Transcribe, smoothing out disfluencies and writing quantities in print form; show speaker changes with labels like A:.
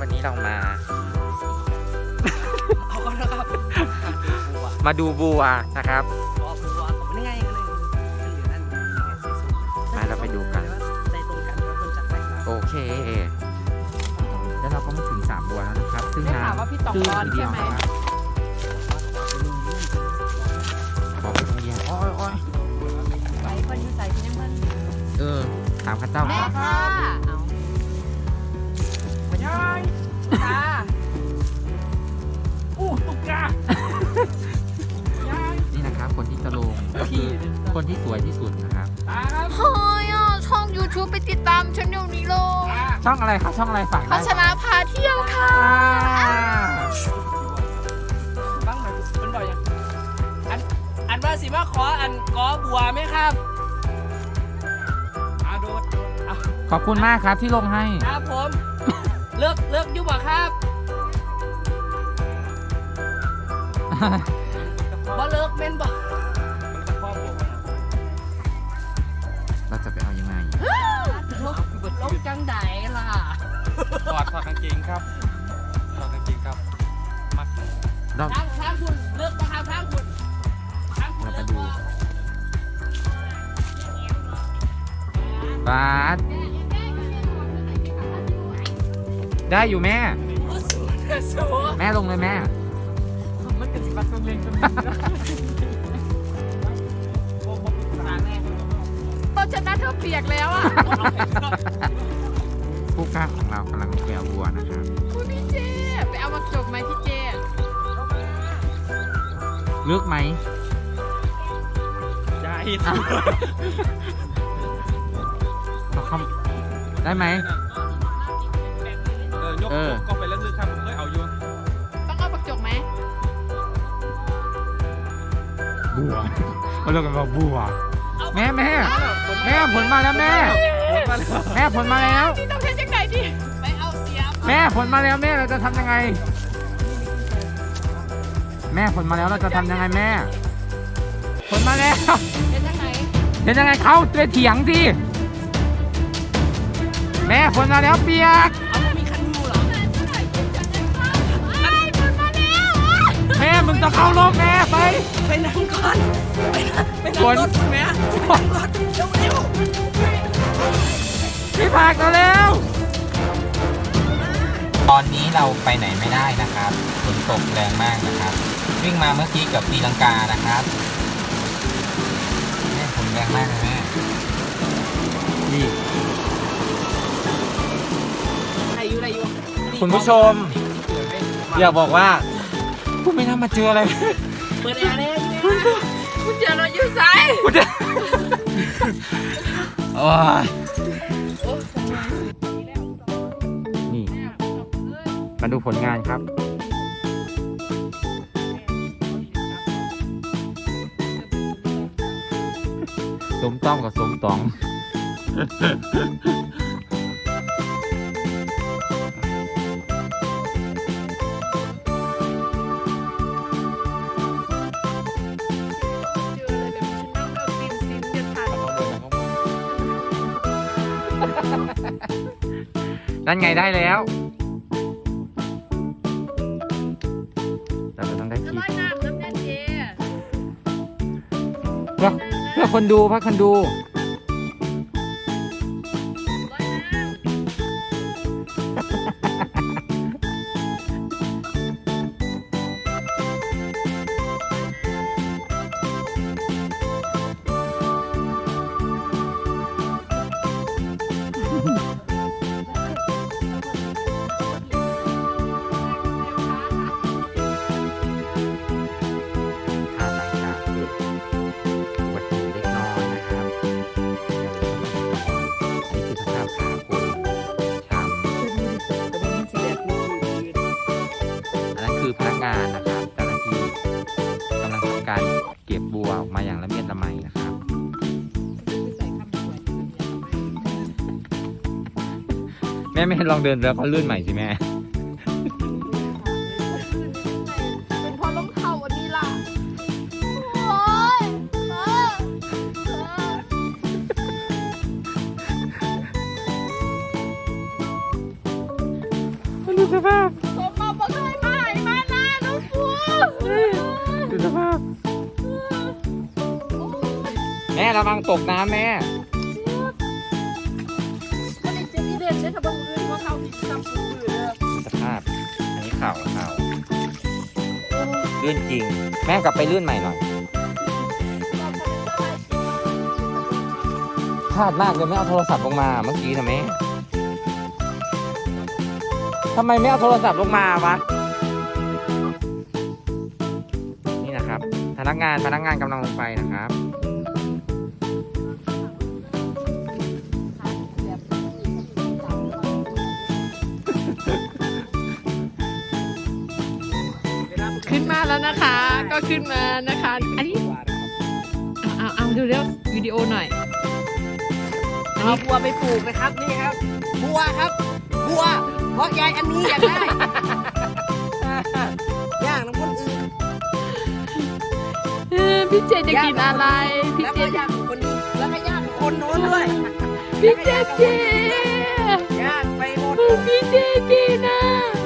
A: วันนี้เรามา
B: เอาก็แล้วครับบัว
A: มาดูบัวนะครับ
B: บัวนี่ไงมันอยู่นั่น
A: มาเราไปดูกัน
B: ใจตรงกันแล้วคนจัดไปครับ
A: โอเค แล้วเราก็มาถึง3บัวแล้วนะครับซึ่ง
C: ได้ข่าวว่าพี่ต๋องร้อนใช่ไหม
A: ขอไปตรงเย็นอ้อย
C: ไปคนอยู่ใส่พี่น้ำมัน
A: ถามข้าเจ้า
C: แม่
A: ก่อน
C: ค่ะเอายายตา
B: ตุ๊กตา
A: นี่นะครับคนที่จะลงคนที่สวยที่สุดนะครับ
C: เฮ้ยช่อง YouTube ไปติดตามฉันเดี๋ยวนี้เลย
A: ช่องอะไรครับช่องอะไรฝาก
C: พั
A: ได้
C: ชนาพาเที่ยวค่ะ
B: บ้างหน่อยเป็นบ่อยยังอันว่าสิว่าขออันกอบัวไหมครับอาโดด
A: ขอบคุณมากครับที่ลงให้
B: ครับผมเลิกยุ่งบ่ครับบ่เลิกเม่นบ่
A: เราจะไปเอายังไง
B: ลงจังไดล่ะ
D: ถอดกางเกงครับถอดกางเกงครับมัด
A: เรา
B: ทางคุณเลิกนะครับทางคุณทางคุณ
A: เราไป
B: เลิก
A: ดู
B: บ่
A: บาสได้อยู่แม่ แม่ลงเลยแม่
C: มันกระสิบบัตรตรงเลงตรงนี้ตอนชนะเธอเปียกแล้วอ่ะ
A: ผู้กล้าของเรากำลังไปเอาวัวนะครับ
C: คุณพี่เจไปเอามาจบไหมพี่เจ
A: ลึกไหม
D: ยาย
A: เขาเข้าได้ไหม
D: ยกก็ไปลึกๆครับผมเคยเอาอยู่
C: ต้องเอามาจบไหม
A: บัวเขาเรียกกันว่าบัวแม่ผลมาแล้วแม่ผลมาแล้ว
C: นี่ต้องใช้จังไหนดิไปเอาเสียบ
A: แม่ผลมาแล้วแม่เราจะทำยังไง แม่ผลมาแล้วเราจะทำยังไงแม่ผลมาแล้ว
C: เป็นจังไหน
A: เห็นยังไงเขาไปเถียงสิแม่ผลมาแล้วเปียก
B: เอามันมีคันหูเหรอ
A: แม่มึงจะเข้ารอบแม่ไป
B: ไปนั่งก่อนไปนั่งรถคุณแม่ไปนั่งรถเร็ว
A: พี่ผักเราแล้วตอนนี้เราไปไหนไม่ได้นะครับฝนตกแรงมากนะครับ วิ่งมาเมื่อกี้กับตีลังกานะครับแม่ฝนแรงมากเลยแม่นี่
B: ๆอะไรอยู่
A: คุณผู้ชม อยากบอกว่ากูไม่น่ามาเจออะไร
B: เปิดแอร์เลย
C: คุณเจเราอยู่ไส
A: กูจะโอ้ยนี่มาดูผลงานครับสมต้องกับสมตองนั่นไงได้แล้วเราจะต้องได้คลิป
C: ร้อยน้ำน้ำแน่เจ
A: เพื่อคนดูเพื่อคนดู
C: ร้อยน้ำ
A: ถ้าหลังจากเกิดอุบัติเหตุเล็กน้อยนะครับนี่คือสภาพขาคนช้ำอันนั้นคือพนักงานนะครับเจ้าหน้าที่กำลังทำการเก็บบัวออกมาอย่างละเมียดละไมนะครับ แม่ไม่ลองเดินแล้วเขาลื่นใหม่สิแม่
C: เป็นเพราะรองเท้าอันนี้ล่ะโอ้ย
A: ดูสภาพ
C: สมมาบอกให้มาให้มานะน้องฟัว
A: ดูสภาพแม่ระวังตกน้ำแม่
C: ก็ได้เจอที่เด่นใช่ทำบังเอิญว่าเขาที่ทำสูงเลย
A: สภาพอันนี้ข่าวลื่นจริง แม่กลับไปลื่นใหม่หน่อยพลาดมากเลยไม่เอาโทรศัพท์ลงมาเมื่อกี้นะแม่ทำไมไม่เอาโทรศัพท์ลงมาวะนี่นะครับพนักงานกำลังลงไปนะครับ
C: ขึ้นมาแล้วนะคะ ก็ขึ้นมานะคะ อันนี้เอาดูเร็ววิดีโอหน่อย
B: เอาบัวไปปลูกนะครับนี่ครับ บัวครับ บัวเพราะยายอันนี้อยากได้ ย่างน้ำคนอื่น
C: พี่เจจะกินอะไร พี่
B: แล้ว
C: เจ
B: ก็ย่างคนนี้แล้วก็ย่างคนโน้นด้วย
C: พี่เจ
B: ย่างไปหมด
C: พี่เจกินนะ